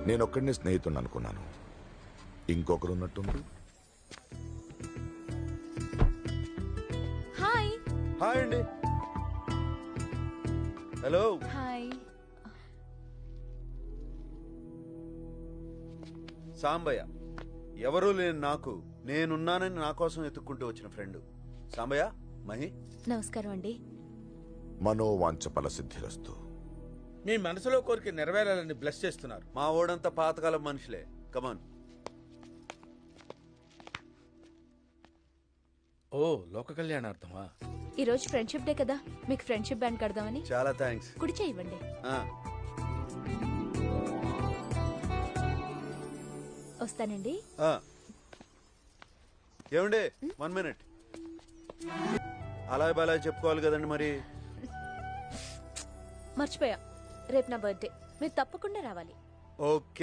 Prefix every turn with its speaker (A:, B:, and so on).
A: నేనొక్కడిని స్నేహితుడిని అనుకున్నాను, ఇంకొకరు ఉన్నట్టుంది.
B: హాయ్.
C: హాయ్ అండి. హలో.
B: హాయ్.
C: సాంబయ్య, ఎవరూ లేని నాకు నేనున్నానని నా కోసం ఎత్తుక్కుంటూ వచ్చిన ఫ్రెండ్ సాంబయ్య. మహి,
B: నమస్కారం అండి.
A: మనోవాంఛ ఫలసిద్ధిరస్తు.
D: మీ మనసులో కోరిక నెరవేరాలని బ్లెస్ చేస్తున్నారు.
C: మా ఓడంతా పాతకాలం మనుషులే. కమాన్.
D: ఓ, లోక కళ్యాణార్థమా?
B: ఈ రోజు ఫ్రెండ్షిప్ డే కదా, మీకు ఫ్రెండ్షిప్ బ్యాండ్ కడదామని.
C: చాలా థ్యాంక్స్.
B: కుడి చేయి ఇవ్వండి. వస్తానండి.
C: ఏమండి, 1 minute. అలా బలా చెప్పుకోవాలి కదండి మరి.
B: మర్చిపోయా, రేపు నా బర్త్డే, మీరు తప్పకుండా రావాలి.
C: ఓకే.